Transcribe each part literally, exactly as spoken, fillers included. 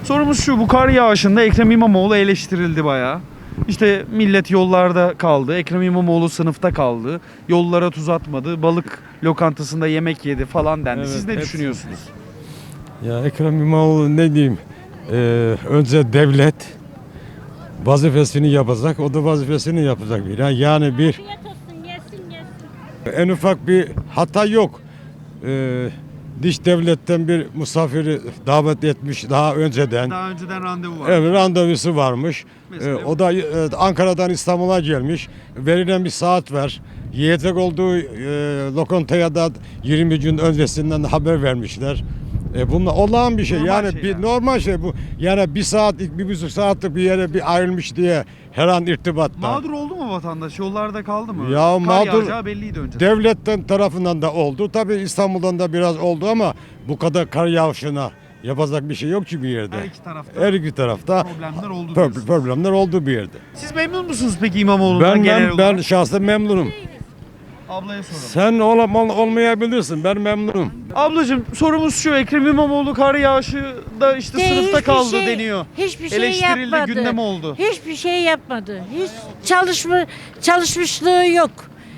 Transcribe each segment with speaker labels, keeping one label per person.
Speaker 1: Sorumuz şu, bu kar yağışında Ekrem İmamoğlu eleştirildi bayağı. İşte millet yollarda kaldı, Ekrem İmamoğlu sınıfta kaldı, yollara tuz atmadı, balık lokantasında yemek yedi falan dendi.
Speaker 2: Evet,
Speaker 1: Siz ne
Speaker 2: hepsi.
Speaker 1: düşünüyorsunuz?
Speaker 2: Ya Ekrem İmamoğlu ne diyeyim? Ee, önce devlet vazifesini yapacak, o da vazifesini yapacak. Bir. Yani bir
Speaker 3: Afiyet olsun, yesin yesin.
Speaker 2: en ufak bir hata yok. Ee, dış devletten bir misafiri davet etmiş daha önceden.
Speaker 1: Daha önceden randevu var.
Speaker 2: Evet, randevusu varmış.
Speaker 1: Mesela
Speaker 2: Ee, o da e, Ankara'dan İstanbul'a gelmiş. Verilen bir saat var. Yiyecek olduğu e, lokantaya da yirmi gün öncesinden haber vermişler. E, bunlar olağan bir şey.
Speaker 1: Normal
Speaker 2: yani
Speaker 1: şey
Speaker 2: bir
Speaker 1: yani.
Speaker 2: normal şey bu. Yani bir saatlik, bir buçuk saatlik bir yere bir ayrılmış diye her an irtibatta.
Speaker 1: Mağdur oldu mu vatandaş? Yollarda kaldı mı?
Speaker 2: Ya
Speaker 1: Kar
Speaker 2: mağdur-
Speaker 1: yağacağı belliydi önceden.
Speaker 2: Devletten tarafından da oldu. Tabii İstanbul'dan da biraz oldu ama bu kadar kar yağışına yapacak bir şey yok ki bir yerde.
Speaker 1: Her iki tarafta
Speaker 2: Her iki tarafta
Speaker 1: problemler oldu
Speaker 2: pro-
Speaker 1: diyorsunuz.
Speaker 2: problemler oldu bir yerde.
Speaker 1: Siz memnun musunuz peki İmamoğlu'ndan
Speaker 2: Ben
Speaker 1: genel
Speaker 2: ben, ben
Speaker 1: olarak?
Speaker 2: şahsen memnunum.
Speaker 1: Ablaya soralım.
Speaker 2: Sen ol, ol- olmayabilirsin. Ben memnunum.
Speaker 1: Ablacığım sorumuz şu, Ekrem İmamoğlu kar yağışı da işte
Speaker 3: De,
Speaker 1: sınıfta
Speaker 3: hiçbir
Speaker 1: kaldı
Speaker 3: şey-
Speaker 1: deniyor.
Speaker 3: Hiçbir şey
Speaker 1: Eleştirildi,
Speaker 3: yapmadı.
Speaker 1: gündem oldu.
Speaker 3: Hiçbir şey yapmadı. Hiç çalışma çalışmışlığı yok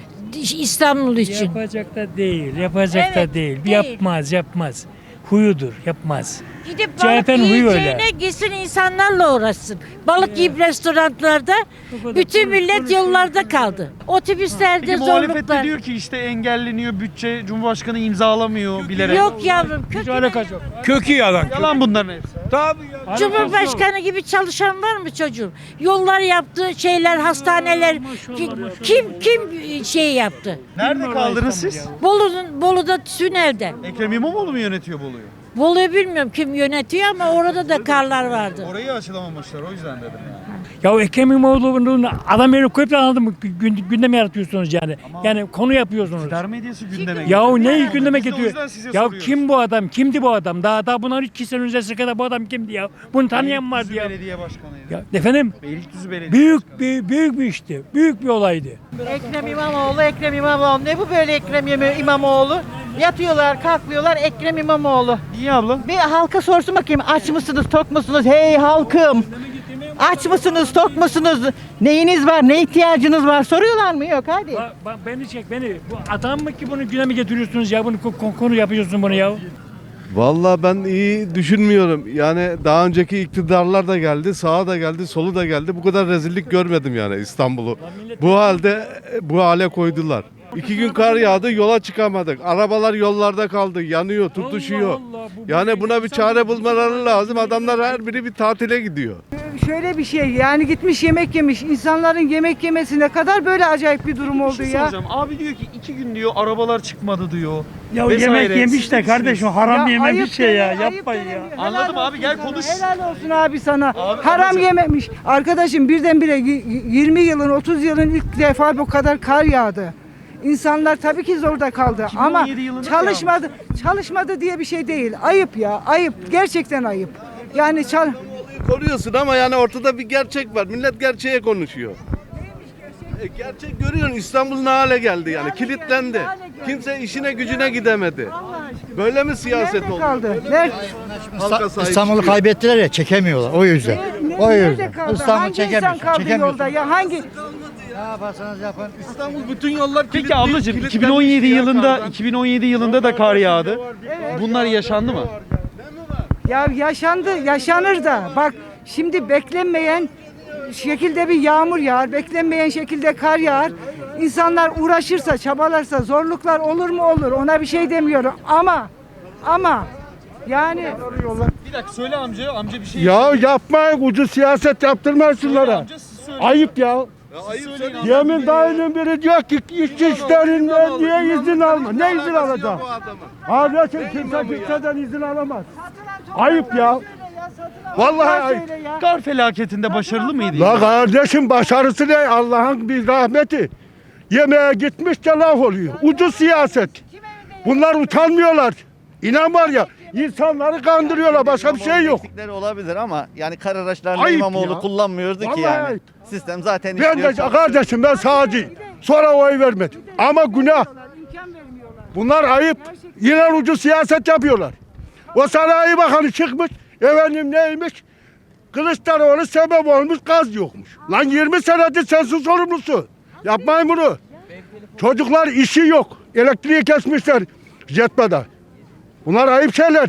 Speaker 3: İstanbul için.
Speaker 4: Yapacak da değil, yapacak
Speaker 3: Evet,
Speaker 4: da değil.
Speaker 3: değil.
Speaker 4: Yapmaz, yapmaz. Huyudur, yapmaz.
Speaker 3: Gidip
Speaker 4: C H
Speaker 3: balık
Speaker 4: P'nin huyu öyle.
Speaker 3: yiyeceğine gitsin insanlarla uğraşsın. Balık yiyip restoranlarda
Speaker 4: Bu kadar
Speaker 3: bütün
Speaker 4: konuş,
Speaker 3: millet
Speaker 4: konuş,
Speaker 3: yollarda
Speaker 4: konuş.
Speaker 3: kaldı. Otobüslerde
Speaker 1: Peki muhalefet de
Speaker 3: zorluklar.
Speaker 1: diyor ki işte engelleniyor bütçe, Cumhurbaşkanı imzalamıyor bilerek.
Speaker 3: Yok yavrum.
Speaker 4: Hiç
Speaker 3: kötü
Speaker 4: alakası yok.
Speaker 5: Kökü yalan.
Speaker 1: Yalan bunların hepsi.
Speaker 5: Tabii ya.
Speaker 3: Cumhurbaşkanı gibi çalışan var mı çocuğum? Yollar yaptı, şeyler, hastaneler. Ki- Kim kim şey yaptı?
Speaker 1: Nerede kaldınız siz?
Speaker 3: Bolu'nun Bolu'da tünelde.
Speaker 1: Ekrem İmamoğlu mu yönetiyor Bolu'yu?
Speaker 3: Bolu'yu bilmiyorum kim yönetiyor ama orada da karlar vardı.
Speaker 1: Orayı açılamamışlar, o yüzden dedim yani.
Speaker 4: Ya Ekrem İmamoğlu'nun adam yerine koyup da anladın mı? Gün- Gündem yaratıyorsunuz yani. Yani konu yapıyorsunuz.
Speaker 1: İktidar medyası gündeme
Speaker 4: Ya
Speaker 1: getiriyor.
Speaker 4: neyi gündeme
Speaker 1: Biz de o
Speaker 4: getiriyor?
Speaker 1: yüzden size
Speaker 4: Ya
Speaker 1: soruyoruz.
Speaker 4: kim bu adam? Kimdi bu adam? Daha daha bundan iki sene öncesine kadar bu adam kimdi ya? Bunu tanıyan vardı
Speaker 1: Beylikdüzü
Speaker 4: ya.
Speaker 1: Belediye Başkanı'ydı.
Speaker 4: Ya efendim?
Speaker 1: Beylikdüzü Belediye
Speaker 4: Büyük
Speaker 1: Başkanı.
Speaker 4: bir büyük bir işti. Büyük bir olaydı.
Speaker 6: Ekrem İmamoğlu, Ekrem İmamoğlu. Ne bu böyle Ekrem İmam- İmamoğlu? Yatıyorlar, kalkıyorlar Ekrem İmamoğlu.
Speaker 1: Niye abla?
Speaker 6: Bir halka sorsun bakayım aç mısınız, tok musunuz? Hey halkım! Aç mısınız, tok musunuz? Neyiniz var, ne ihtiyacınız var? Soruyorlar mı? Yok hadi.
Speaker 4: Ba- ba- beni çek beni. Bu adam mı ki bunu gündeme getiriyorsunuz ya? Bunu ko- ko- konu yapıyorsun bunu ya.
Speaker 7: Vallahi ben iyi düşünmüyorum. Yani daha önceki iktidarlar da geldi, sağa da geldi, solu da geldi. Bu kadar rezillik görmedim yani İstanbul'u. Bu halde bu hale koydular. İki gün kar yağdı, yola çıkamadık. Arabalar yollarda kaldı, yanıyor, tutuşuyor.
Speaker 4: Allah Allah, bu
Speaker 7: Yani
Speaker 4: böyle
Speaker 7: buna bir çare bulmaları lazım. Adamlar her biri bir tatile gidiyor.
Speaker 8: Şöyle bir şey yani gitmiş yemek yemiş. İnsanların yemek yemesi ne kadar böyle acayip bir durum
Speaker 1: Bir
Speaker 8: oldu
Speaker 1: şey
Speaker 8: ya.
Speaker 1: soracağım. Abi diyor ki iki gün diyor arabalar çıkmadı diyor.
Speaker 9: Ya
Speaker 1: Vesaire.
Speaker 9: yemek yemiş
Speaker 1: Siz
Speaker 9: de
Speaker 1: ne
Speaker 9: kardeşim
Speaker 1: düşünüyorsunuz?
Speaker 9: haram yeme bir
Speaker 8: ayıp
Speaker 9: şey ya
Speaker 8: deme, ayıp
Speaker 9: yapmayın ya.
Speaker 8: deme.
Speaker 1: Anladım
Speaker 8: Helal
Speaker 1: abi, gel
Speaker 8: olsun sana,
Speaker 1: konuş.
Speaker 8: Helal olsun abi sana.
Speaker 1: Abi,
Speaker 8: Haram
Speaker 1: ablacığım.
Speaker 8: yememiş. Arkadaşım birdenbire y- yirmi yılın otuz yılın ilk defa bu kadar kar yağdı. İnsanlar tabii ki zorda kaldı
Speaker 1: iki bin on
Speaker 8: ama
Speaker 1: yedi yılında
Speaker 8: çalışmadı. Çalışmadı diye bir şey değil. Ayıp ya. Ayıp. Gerçekten ayıp. Yani çal
Speaker 7: Koruyorsun ama yani ortada bir gerçek var. Millet gerçeğe konuşuyor. E, gerçek görüyorsun, İstanbul ne hale geldi yani,
Speaker 8: hale
Speaker 7: kilitlendi.
Speaker 8: geldi, ne hale geldi?
Speaker 7: Kimse işine gücüne gidemedi. Böyle mi siyaset
Speaker 8: nerede
Speaker 7: oldu?
Speaker 8: kaldı? Nerede?
Speaker 7: Halka sahip
Speaker 5: İstanbul'u
Speaker 7: çıkıyor.
Speaker 5: kaybettiler ya çekemiyorlar o yüzden.
Speaker 8: Ne-
Speaker 5: O
Speaker 8: nerede
Speaker 5: yüzden.
Speaker 8: kaldı?
Speaker 5: İstanbul
Speaker 8: Hangi insan
Speaker 5: çekemiyorsun.
Speaker 8: kaldı
Speaker 5: Çekemiyorsun.
Speaker 8: yolda ya? Hangi?
Speaker 5: Ne yaparsanız yapın.
Speaker 7: İstanbul bütün yollar
Speaker 1: Peki
Speaker 7: kilitli-
Speaker 1: ablacığım
Speaker 7: kilitlenmiş
Speaker 1: iki bin on yedi
Speaker 7: ya
Speaker 1: yılında
Speaker 7: kardan.
Speaker 1: iki bin on yedi yılında da kar yağdı. Bunlar yaşandı mı?
Speaker 8: Ya yaşandı, yaşanır da. Bak şimdi beklenmeyen şekilde bir yağmur yağar, beklenmeyen şekilde kar yağar. İnsanlar uğraşırsa, çabalarsa zorluklar olur mu olur. Ona bir şey demiyorum ama ama yani
Speaker 1: Bir dakika söyle amca, amca bir şey.
Speaker 2: Ya yapmayın, ucuz siyaset yaptırmayın şunlara.
Speaker 1: Amca siz söyleyin.
Speaker 2: Ayıp ya.
Speaker 7: Ya ayıp
Speaker 1: Söyleyin
Speaker 7: söyle.
Speaker 2: Yemin dahilin biri diyor ki işçi işlerinden niye izin alma? Ne izin alacak? Kardeşim kimse kimseden izin alamaz. Ayıp ya. Vallahi ayıp.
Speaker 8: söyle ya.
Speaker 1: Kar felaketinde başarılı mıydı?
Speaker 2: La kardeşim başarısı ne? Allah'ın bir rahmeti. Yemeğe gitmiş de laf oluyor. Ucuz siyaset. Bunlar utanmıyorlar. İnan var ya, insanları kandırıyorlar. Başka bir şey yok.
Speaker 5: Eksikleri olabilir ama yani kar araçlarını
Speaker 2: Ayıp
Speaker 5: İmamoğlu
Speaker 2: ya.
Speaker 5: kullanmıyordu ki
Speaker 2: Vallahi
Speaker 5: yani.
Speaker 2: ayıp.
Speaker 5: Sistem zaten
Speaker 2: Ben de
Speaker 5: işliyor.
Speaker 2: kardeşim ben sağcıyım. Sonra oy vermedim. Ama günah.
Speaker 8: imkan vermiyorlar.
Speaker 2: Bunlar ayıp. Yine ucuz siyaset yapıyorlar. O sanayi bakanı çıkmış Efendim neymiş? Kılıçdaroğlu sebep olmuş, gaz yokmuş. Lan yirmi senedir sensin sorumlusu. Yapmayın bunu. Çocuklar işi yok. Elektriği kesmişler jetmada. Bunlar ayıp şeyler.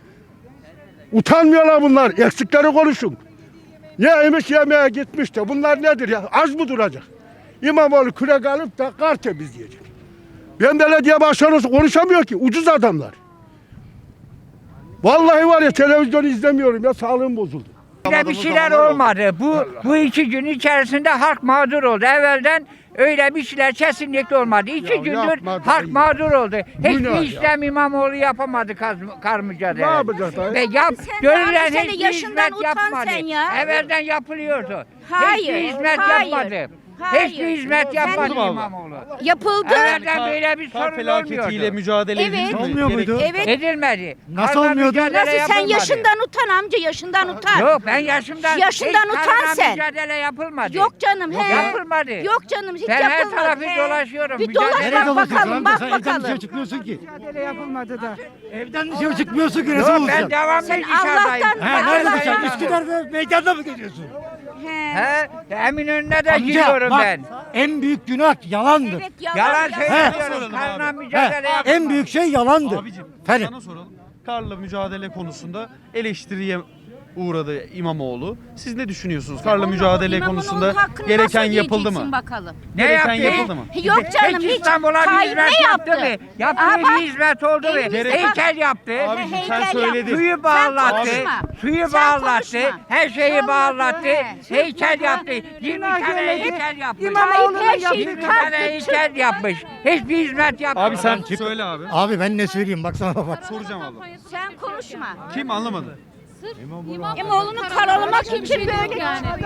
Speaker 2: Utanmıyorlar bunlar. Eksikleri konuşun. Yemiş yemeğe gitmiş de. Bunlar nedir ya? Az mı duracak? İmamoğlu kürek alıp da kar temizleyecek. Ben belediye başkanı konuşamıyor ki. Ucuz adamlar. Vallahi var ya televizyonu izlemiyorum ya, sağlığım bozuldu.
Speaker 9: Öyle bir şeyler olmadı. Bu bu iki gün içerisinde halk mağdur oldu. Evvelden öyle bir şeyler kesinlikle olmadı. İki
Speaker 2: Ya
Speaker 9: gündür
Speaker 2: yapma
Speaker 9: halk
Speaker 2: dayı.
Speaker 9: mağdur oldu.
Speaker 2: Günah
Speaker 9: Hiçbir
Speaker 2: ya.
Speaker 9: İslam İmamoğlu yapamadı kar, kar mücadele.
Speaker 2: Ne yapacak dayı?
Speaker 9: Ve yap,
Speaker 10: Sen
Speaker 9: görülen
Speaker 10: daha bir sene
Speaker 9: hiçbir
Speaker 10: yaşından
Speaker 9: hizmet
Speaker 10: utan
Speaker 9: yapmadı.
Speaker 10: sen ya.
Speaker 9: Evvelden yapılıyordu.
Speaker 10: Hayır,
Speaker 9: Hiçbir hizmet
Speaker 10: hayır,
Speaker 9: yapmadı.
Speaker 10: hayır.
Speaker 9: Hiçbir hizmet
Speaker 10: Sen-
Speaker 9: yapmadı
Speaker 1: Oldu mu abla?
Speaker 9: İmamoğlu.
Speaker 10: Yapıldı.
Speaker 9: Evvelden böyle bir
Speaker 1: Kar
Speaker 9: sorun
Speaker 1: felaketiyle
Speaker 9: olmuyordu.
Speaker 1: mücadele
Speaker 10: Evet.
Speaker 1: edildi mi?
Speaker 10: Olmuyor
Speaker 1: Gerek-
Speaker 10: muydu? Evet.
Speaker 9: Edilmedi.
Speaker 5: Nasıl
Speaker 9: Karla
Speaker 5: olmuyordu?
Speaker 9: mücadele
Speaker 10: Nasıl sen
Speaker 9: yapılmadı.
Speaker 10: yaşından utan amca, yaşından utan.
Speaker 9: Yok ben yaşımdan
Speaker 10: Yaşından
Speaker 9: hiç
Speaker 10: utan
Speaker 9: karla
Speaker 10: sen.
Speaker 9: mücadele yapılmadı.
Speaker 10: Yok canım, he.
Speaker 9: Yapılmadı.
Speaker 10: Yok canım, hiç
Speaker 9: Ben her
Speaker 10: yapılmadı.
Speaker 9: tarafı
Speaker 10: he.
Speaker 9: dolaşıyorum,
Speaker 10: Bir
Speaker 9: mücadele
Speaker 10: dolaş bak
Speaker 9: ediyorum.
Speaker 10: bakalım, bak bakalım.
Speaker 5: çıkmıyorsun ki.
Speaker 8: Mücadele yapılmadı da.
Speaker 5: Evden dışarı çıkmıyorsun ki.
Speaker 9: Yok ben devamlı
Speaker 10: Sen
Speaker 9: dışarıdayım.
Speaker 10: Allah'tan-
Speaker 9: Ben
Speaker 10: nerede
Speaker 9: dışarıdayım.
Speaker 10: dışarı?
Speaker 5: Üsküdar'da meydanda mı geziyorsun?
Speaker 10: He.
Speaker 9: He, Eminönü'ne de gidiyorum ben.
Speaker 5: En büyük günah yalandır.
Speaker 10: Evet, yalan,
Speaker 9: Yalan
Speaker 10: yalan.
Speaker 9: söylüyoruz. Karla mücadele yapılmadı.
Speaker 5: En büyük şey yalandır.
Speaker 1: Abicim
Speaker 5: Efendim?
Speaker 1: sana soralım. Karla mücadele konusunda eleştiriye uğradı İmamoğlu. Siz ne düşünüyorsunuz? Karla mücadele
Speaker 10: İmamoğlu'nun
Speaker 1: konusunda
Speaker 10: hakkını
Speaker 1: gereken
Speaker 10: nasıl
Speaker 1: yapıldı
Speaker 10: yiyeceksin
Speaker 1: mı?
Speaker 10: bakalım.
Speaker 9: Ne
Speaker 1: Gereken
Speaker 9: yaptı?
Speaker 1: yapıldı mı?
Speaker 10: Yok canım,
Speaker 9: Peki
Speaker 10: hiç.
Speaker 9: İstanbul'a bir
Speaker 10: Tayyip
Speaker 9: hizmet
Speaker 10: ne
Speaker 9: yaptı
Speaker 10: yaptı?
Speaker 9: mı? Yaptığı
Speaker 10: Aa, bak,
Speaker 9: bir hizmet oldu mu?
Speaker 10: elimize
Speaker 9: Heykel yaptı.
Speaker 1: Abicim
Speaker 10: Heykel
Speaker 1: sen
Speaker 10: yaptı.
Speaker 1: söyledin.
Speaker 9: Suyu
Speaker 10: Sen
Speaker 9: bağlattı.
Speaker 10: konuşma.
Speaker 9: Suyu
Speaker 10: Sen
Speaker 9: bağlattı.
Speaker 10: konuşma.
Speaker 9: Her şeyi bağlattı.
Speaker 10: He.
Speaker 9: Heykel yaptı. yirmi
Speaker 8: Günah
Speaker 9: tane
Speaker 8: görmedi.
Speaker 9: heykel yapmış.
Speaker 8: İmamoğlu'na
Speaker 10: Tayyip her şeyi
Speaker 8: yaptı.
Speaker 9: yirmi
Speaker 10: kalktı,
Speaker 9: tane heykel yapmış. Hiçbir hizmet yapmadı.
Speaker 1: Abi sen söyle abi.
Speaker 5: Abi ben ne söyleyeyim baksana bak.
Speaker 1: Soracağım abla.
Speaker 10: Sen konuşma.
Speaker 1: Kim anlamadı?
Speaker 10: İmamoğlu'nu karalamak için böyle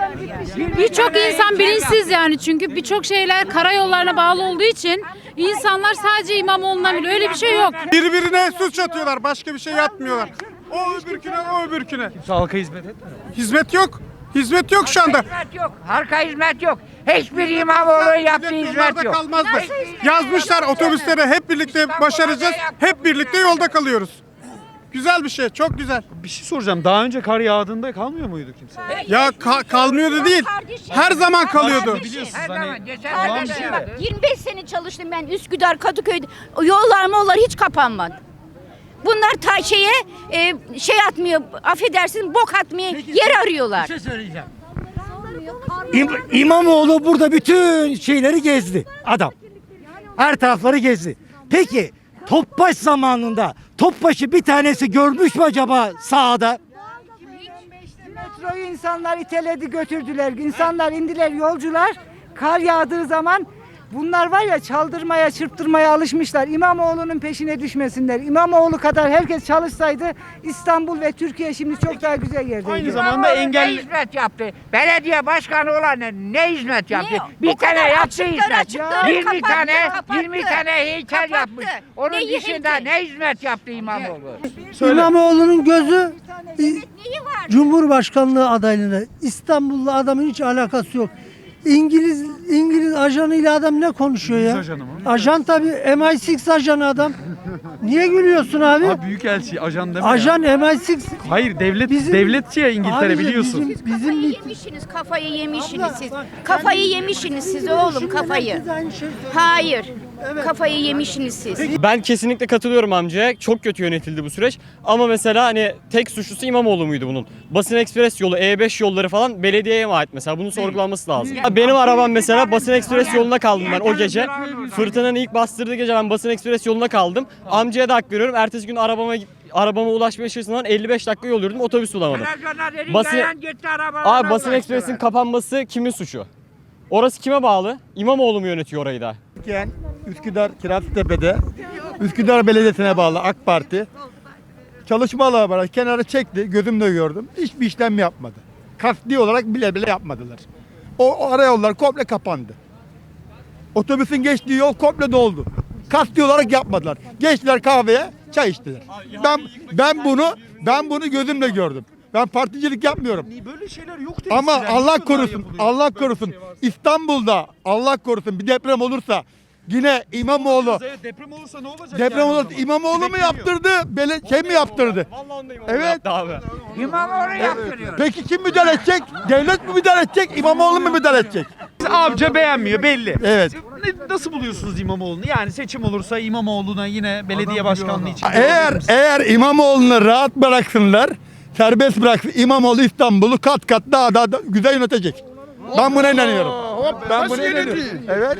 Speaker 11: Birçok insan bilinçsiz yani çünkü birçok şeyler karayollarına bağlı olduğu için insanlar sadece İmamoğlu'na biliyor. Öyle bir şey yok.
Speaker 12: Birbirine suç atıyorlar. Başka bir şey yapmıyorlar. O öbürküne, o öbürküne.
Speaker 1: Kimse halka hizmet etmiyor.
Speaker 12: Hizmet yok. Hizmet yok şu anda.
Speaker 9: Hizmet yok. Harika hizmet yok. Hiçbir İmamoğlu yaptığı hizmet
Speaker 12: Yollarda
Speaker 9: yok.
Speaker 12: kalmazdı. Yazmışlar otobüslere hep birlikte başaracağız. Hep birlikte yolda kalıyoruz. Güzel bir şey, çok güzel.
Speaker 1: Bir şey soracağım. Daha önce kar yağdığında kalmıyor muydu kimse?
Speaker 12: Ya ka- kalmıyordu değil. Her zaman kalıyordu.
Speaker 1: Biliyorsunuz
Speaker 9: Her
Speaker 1: hani
Speaker 9: zaman geçen
Speaker 1: olan
Speaker 9: sene
Speaker 1: bir
Speaker 9: de
Speaker 1: şey
Speaker 9: yaptı.
Speaker 1: de.
Speaker 10: yirmi beş sene çalıştım ben Üsküdar, Kadıköy'de. O yollar mollar hiç kapanmadı. Bunlar ta şeye e, şey atmıyor, affedersin bok atmaya yer arıyorlar.
Speaker 5: şey söyleyeceğim. İm- İmamoğlu burada bütün şeyleri gezdi adam. Her tarafları gezdi. Peki Topbaş zamanında Topbaş'ı bir tanesi görmüş mü acaba sahada?
Speaker 8: Metroyu insanlar iteledi götürdüler. İnsanlar indiler, yolcular. Kar yağdığı zaman bunlar var ya çaldırmaya, çırptırmaya alışmışlar. İmamoğlu'nun peşine düşmesinler. İmamoğlu kadar herkes çalışsaydı İstanbul ve Türkiye şimdi çok daha güzel yerdeydi.
Speaker 1: Aynı zamanda
Speaker 9: İmamoğlu
Speaker 1: engelli...
Speaker 9: Ne hizmet yaptı? Belediye başkanı olan ne, ne hizmet yaptı?
Speaker 10: Ne?
Speaker 9: Bir
Speaker 10: O
Speaker 9: tane
Speaker 10: kadar
Speaker 9: yaptı
Speaker 10: açıkları
Speaker 9: hizmet.
Speaker 10: açıkları
Speaker 9: yirmi
Speaker 10: kapattı,
Speaker 9: tane,
Speaker 10: kapattı.
Speaker 9: yirmi tane heykel
Speaker 10: Kapattı.
Speaker 9: yapmış. Onun
Speaker 10: Neyi
Speaker 9: dışında
Speaker 10: heykel?
Speaker 9: ne hizmet yaptı İmamoğlu?
Speaker 13: İmamoğlu'nun gözü
Speaker 10: Neyi var?
Speaker 13: Cumhurbaşkanlığı adaylığına. İstanbullu adamın hiç alakası yok. İngiliz İngiliz ajanıyla adam ne konuşuyor ya?
Speaker 1: İngiliz ajanı mı?
Speaker 13: Ajan tabii M I altı ajanı adam. Niye gülüyorsun abi?
Speaker 1: Abi büyükelçi, ajan deme
Speaker 13: Ajan
Speaker 1: ya.
Speaker 13: M I altı.
Speaker 1: Hayır devlet,
Speaker 13: Bizim-
Speaker 1: devletçi ya İngiltere
Speaker 13: Abi
Speaker 1: biliyorsun.
Speaker 13: Bizim, bizim
Speaker 10: Kafayı yemişsiniz, kafayı yemişsiniz siz. Kafayı yemişsiniz siz oğlum, kafayı. Hayır, kafayı yemişsiniz siz.
Speaker 14: Ben kesinlikle katılıyorum amcaya. Çok kötü yönetildi bu süreç. Ama mesela hani tek suçlusu İmamoğlu muydu bunun? Basın Ekspres yolu, E beş yolları falan belediyeye mi ait mesela? Bunun sorgulanması lazım. Benim arabam mesela Basın Ekspres yolunda kaldım ben o gece. Fırtınanın ilk bastırdığı gece ben Basın Ekspres yoluna kaldım. Amcaya da hak veriyorum. Ertesi gün arabama arabama ulaşmaya çalıştığımdan elli beş dakika yol yürüdüm. Otobüs bulamadım. Basın- Abi Basın Ekspres'in kapanması kimin suçu? Orası kime bağlı? İmamoğlu mu yönetiyor orayı da?
Speaker 5: Üsküdar Kirazlıtepe'de Üsküdar Belediyesi'ne bağlı AK Parti çalışma alanı var. Kenara çekti. Gözümle gördüm. Hiçbir işlem yapmadı. Kasti olarak bile bile yapmadılar. O, o ara yollar komple kapandı. Otobüsün geçtiği yol komple doldu. Kasti olarak yapmadılar. Geçtiler kahveye, çay içtiler. Ben ben bunu ben bunu gözümle gördüm. Ben particilik yapmıyorum.
Speaker 1: Böyle şeyler yok dedi.
Speaker 5: Ama Allah korusun, Allah korusun. İstanbul'da Allah korusun bir deprem olursa Yine İmamoğlu.
Speaker 1: Evet, deprem olursa ne olacak?
Speaker 5: Deprem
Speaker 1: yani o
Speaker 5: olur.
Speaker 1: zaman?
Speaker 5: İmamoğlu mu
Speaker 1: Bekleniyor.
Speaker 5: yaptırdı? Bele, şey mi yaptırdı?
Speaker 14: Vallahi onu da İmamoğlu
Speaker 5: Evet.
Speaker 14: yaptı abi.
Speaker 9: İmamoğlu yaptırıyor.
Speaker 5: Peki kim müdahale edecek? Devlet mi müdahale edecek? İmamoğlu mu müdahale edecek?
Speaker 1: Amca beğenmiyor belli.
Speaker 5: Evet.
Speaker 1: Ne- Nasıl buluyorsunuz İmamoğlu'nu? Yani seçim olursa İmamoğlu'na yine belediye başkanlığı için.
Speaker 5: Eğer eğer İmamoğlu'nu rahat bıraksınlar, serbest bıraksın, İmamoğlu İstanbul'u kat kat daha daha da güzel yönetecek. Ben buna inanıyorum. Ben buna inanıyorum. Evet.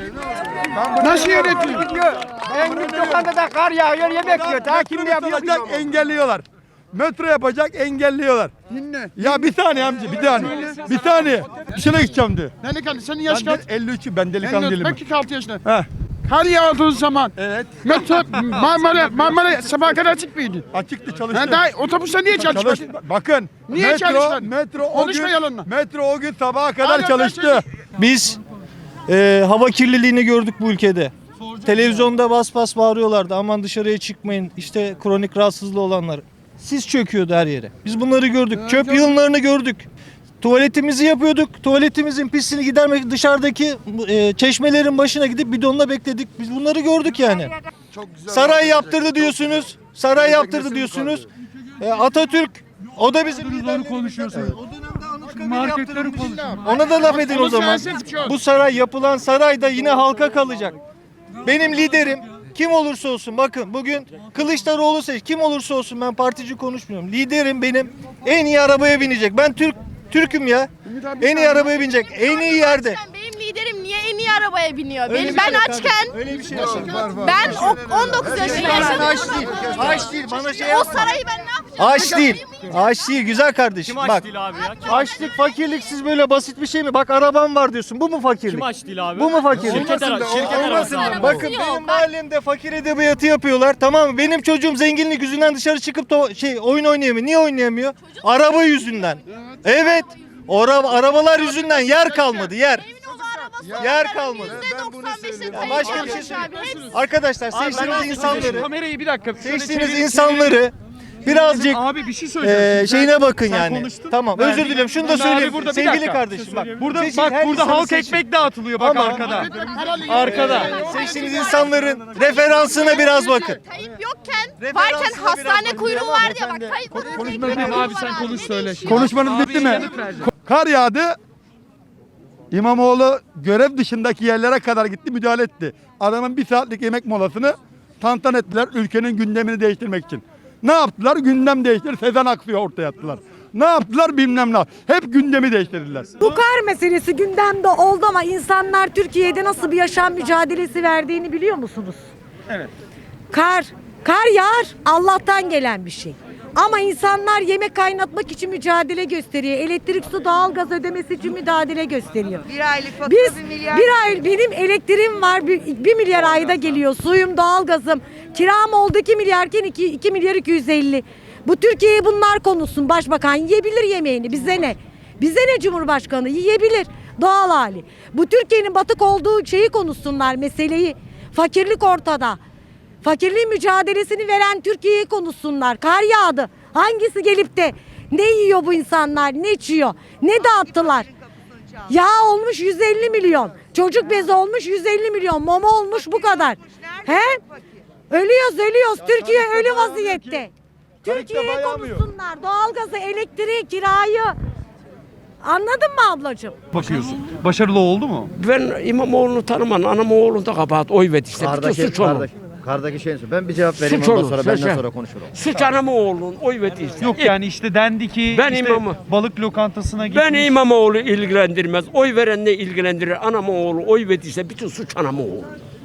Speaker 2: Nasıl yönetiyor?
Speaker 9: En büyük lokantada kar yağıyor, yemek yiyor. Daha kim ne yapıyor?
Speaker 5: Yapacak, engelliyorlar. Metro yapacak, engelliyorlar.
Speaker 2: Dinle.
Speaker 5: Ya bir saniye amca, bir saniye. Bir saniye. İşine gideceğim diyor.
Speaker 2: Delikanlı senin yaş
Speaker 5: Ben
Speaker 2: kaç?
Speaker 5: de elli üçü, ben delikanlı
Speaker 2: Ben
Speaker 5: değilim.
Speaker 2: kırk iki altı yaşında.
Speaker 5: Heh.
Speaker 2: Kar yağdığı zaman
Speaker 5: Evet.
Speaker 2: metro Marmara Marmara sabah kadar açık mıydı?
Speaker 5: Açıktı,
Speaker 2: Ha,
Speaker 5: çalıştı.
Speaker 2: daha otobüste niye
Speaker 5: Çalış,
Speaker 2: çalışmadın?
Speaker 5: bakın.
Speaker 2: Niye
Speaker 5: metro,
Speaker 2: çalışmadın?
Speaker 5: Metro o
Speaker 2: Konuşma
Speaker 5: gün,
Speaker 2: yalanla.
Speaker 5: metro o gün sabaha kadar
Speaker 2: Hala ben
Speaker 5: çalıştı.
Speaker 2: çalışıyorum.
Speaker 15: Biz e, hava kirliliğini gördük bu ülkede. Televizyonda bas bas bağırıyorlardı. Aman dışarıya çıkmayın. İşte kronik rahatsızlığı olanlar. Sis çöküyordu her yere. Biz bunları gördük. Çöp yığınlarını gördük. Tuvaletimizi yapıyorduk. Tuvaletimizin pisliğini gidermek dışarıdaki e, çeşmelerin başına gidip bidonla bekledik. Biz bunları gördük yani. Saray yaptırdı diyorsunuz. Saray yaptırdı diyorsunuz. E, Atatürk o da bizim liderlerimiz.
Speaker 13: konuşuyorsunuz.
Speaker 15: O dönemde Anıtkabir yaptırdı. Ona da laf edin o
Speaker 2: Onun
Speaker 15: zaman.
Speaker 2: siyaset çok.
Speaker 15: Bu saray, yapılan saray da yine halka kalacak. Benim liderim kim olursa olsun, bakın bugün Kılıçdaroğlu seç, kim olursa olsun, ben partici konuşmuyorum. Liderim benim en iyi arabaya binecek. Ben Türk Türk'üm ya. En iyi arabaya binecek. En iyi yerde.
Speaker 10: Benim liderim niye en iyi arabaya biniyor?
Speaker 15: Öyle
Speaker 10: Benim,
Speaker 15: bir
Speaker 10: ben
Speaker 15: şey yok
Speaker 10: açken
Speaker 15: abi. Öyle bir şey yok.
Speaker 10: ben o- on dokuz yaşında yaşadım.
Speaker 15: Aç değil. Aç değil. Bana şey
Speaker 10: O
Speaker 15: yapma.
Speaker 10: sarayı ben ne yapacağım?
Speaker 15: Aç değil. Aç değil güzel kardeşim.
Speaker 14: Kim aç
Speaker 15: Bak.
Speaker 14: değil abi ya? Kim,
Speaker 15: Açlık, fakirlik siz böyle basit bir şey mi? Bak arabam var diyorsun. Bu mu fakirlik?
Speaker 14: kim aç değil abi?
Speaker 15: Bu mu fakirlik?
Speaker 14: Şirket arası. Şirket arası abi.
Speaker 15: Bakın benim mahallemde fakir edebiyatı yapıyorlar, tamam mı? Benim çocuğum zenginlik yüzünden dışarı çıkıp da şey oyun oynayamıyor. Niye oynayamıyor? Araba yüzünden. Evet. Araba, arabalar yüzünden yer kalmadı, yer. Yer kalmadı. Ya başka bir şey söyleyeyim. Arkadaşlar seçtiğiniz insanları,
Speaker 1: Kamerayı bir dakika. şöyle
Speaker 15: seçtiğiniz
Speaker 1: çevir-
Speaker 15: insanları birazcık
Speaker 1: Abi bir şey söyleyeceğim.
Speaker 15: Ee,
Speaker 1: Şimdi
Speaker 15: şeyine bakın
Speaker 1: sen
Speaker 15: yani.
Speaker 1: konuştun.
Speaker 15: Tamam,
Speaker 1: Ben-
Speaker 15: özür dilerim. Şunu da
Speaker 1: Ben abi
Speaker 15: söyleyeyim.
Speaker 1: burada bir
Speaker 15: Sevgili
Speaker 1: dakika.
Speaker 15: kardeşim bak.
Speaker 1: Burada
Speaker 15: seçin,
Speaker 1: bak
Speaker 15: her
Speaker 1: burada
Speaker 15: insanı
Speaker 1: halk
Speaker 15: seçin.
Speaker 1: ekmek dağıtılıyor bak
Speaker 15: Ama-
Speaker 1: arkada.
Speaker 15: Arkada seçtiğiniz insanların referansına biraz bakın.
Speaker 10: Tayyip yokken,
Speaker 15: Referansına
Speaker 10: varken
Speaker 15: biraz
Speaker 10: hastane
Speaker 15: bakın.
Speaker 10: kuyruğu var diye bak. Tayyip
Speaker 5: Konuşmanız
Speaker 1: Abi sen konuş söyle şimdi.
Speaker 5: Konuşmanız bitti mi? Kar yağdı. İmamoğlu görev dışındaki yerlere kadar gitti, müdahale etti. Adamın bir saatlik yemek molasını tantan ettiler ülkenin gündemini değiştirmek için. Ne yaptılar? Gündem değiştir. Sezen Aksu'yu ortaya attılar. Ne yaptılar? Bilmem ne. Hep gündemi değiştirdiler.
Speaker 3: Bu kar meselesi gündemde oldu ama insanlar Türkiye'de nasıl bir yaşam mücadelesi verdiğini biliyor musunuz?
Speaker 1: Evet.
Speaker 3: Kar, kar yağar Allah'tan gelen bir şey. Ama insanlar yemek kaynatmak için mücadele gösteriyor. Elektrik, su, doğalgaz ödemesi için mücadele gösteriyor.
Speaker 8: Bir aylık fatura
Speaker 3: Biz
Speaker 8: bir milyar.
Speaker 3: bir ay benim elektriğim var bir, bir milyar ayda geliyor. Suyum, doğalgazım. Kiram oldu iki milyarken iki, iki milyar iki yüz elli. Bu Türkiye'ye bunlar konuşsun. Başbakan yiyebilir yemeğini. Bize ne? Bize ne Cumhurbaşkanı? Yiyebilir. Doğal hali. Bu Türkiye'nin batık olduğu şeyi konuşsunlar, meseleyi. Fakirlik ortada. Fakirliğin mücadelesini veren Türkiye'yi konuşsunlar. Kar yağdı. Hangisi gelip de ne yiyor bu insanlar? Ne içiyor? Ne dağıttılar? Yağ olmuş yüz elli milyon. Çocuk bezi olmuş yüz elli milyon. Mama olmuş bu kadar. He? Ölüyoruz ölüyoruz. Türkiye ölü vaziyette. Türkiye'yi konuşsunlar. Doğalgazı, elektriği, kirayı. Anladın mı ablacığım?
Speaker 1: Bakıyorsun. Başarılı oldu mu?
Speaker 16: Ben İmamoğlu'nu tanımam. Anam oğlunda kabahat oy verdi işte. Bütün suç onun.
Speaker 17: Kardaki, kardaki şeyin su. Ben bir cevap vereyim
Speaker 16: Suç
Speaker 17: ondan
Speaker 16: olur,
Speaker 17: sonra
Speaker 16: sen
Speaker 17: benden
Speaker 16: şey-
Speaker 17: sonra konuşalım.
Speaker 16: Suç anamı oğlunun oy verdiyse.
Speaker 1: Yok yani işte dendi ki
Speaker 16: Ben
Speaker 1: işte
Speaker 16: imamı.
Speaker 1: balık lokantasına gitmiş.
Speaker 16: Beni İmamoğlu ilgilendirmez. Oy veren ne ilgilendirir? Anamı oğlu oy verdiyse bütün suç anamı oğlu.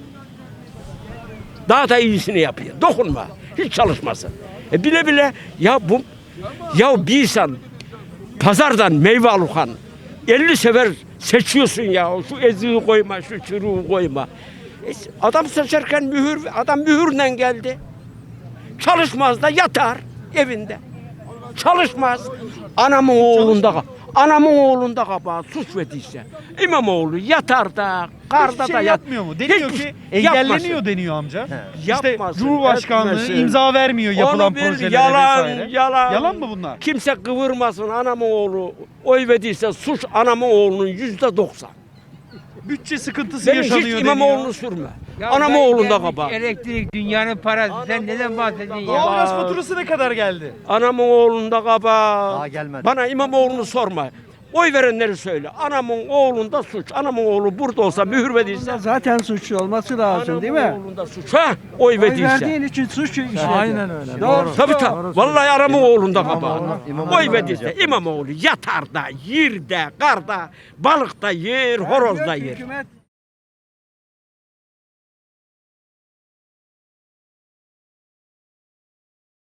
Speaker 16: Daha da iyisini yapıyor. Dokunma. Hiç çalışmasın. E bile bile ya bu ya bir insan pazardan meyve alırken elli sefer seçiyorsun ya. Şu eziği koyma, şu çürüğü koyma. E, adam seçerken mühür, adam mühürle geldi. Çalışmaz da yatar evinde. Çalışmaz. Anamın oğlunda, anamın oğlunda kabahat suç verdiyse. İmamoğlu yatar da, karda
Speaker 1: Hiçbir
Speaker 16: da
Speaker 1: şey
Speaker 16: yat.
Speaker 1: yapmıyor mu? Deniyor
Speaker 16: Hiçbir
Speaker 1: ki
Speaker 16: şey
Speaker 1: engelleniyor
Speaker 16: yapmasın.
Speaker 1: deniyor amca. İşte
Speaker 16: Yapmasın,
Speaker 1: Cumhurbaşkanlığı
Speaker 16: etmesin.
Speaker 1: imza vermiyor yapılan
Speaker 16: Onu bil,
Speaker 1: projelere
Speaker 16: yalan,
Speaker 1: vesaire.
Speaker 16: Yalan,
Speaker 1: Yalan mı bunlar?
Speaker 16: Kimse kıvırmasın. Anamın oğlu oy verdiyse suç anamın oğlunun yüzde doksan.
Speaker 1: Bütçe sıkıntısı
Speaker 16: Benim
Speaker 1: yaşanıyor
Speaker 16: hiç
Speaker 1: deniyor.
Speaker 16: İmamoğlu'nu sürme. Anamın oğlunda kabahat.
Speaker 9: Elektrik dünyanın parası. Sen neden bahsediyorsun ya?
Speaker 1: Doğalgaz faturası ne kadar geldi?
Speaker 16: Anamın oğlunda kabahat.
Speaker 17: Daha gelmedi.
Speaker 16: Bana İmamoğlu'nu sorma. Oy verenleri söyle. Anamın oğlunda suç. Anamın oğlu burada olsa mühür verdiyse.
Speaker 13: Zaten suçlu olması lazım değil mi?
Speaker 16: Anamın oğlunda suç. Ha? Oy verdiyse.
Speaker 13: için suç işledi.
Speaker 1: Aynen öyle.
Speaker 13: Doğru.
Speaker 16: Tabii tabii. Vallahi anamın oğlunda kabahat.
Speaker 17: İmamoğlu
Speaker 16: Oy verdiyse İmamoğlu yatar da, yer de, karda, balık da yer, horoz da yer.
Speaker 13: Hükümet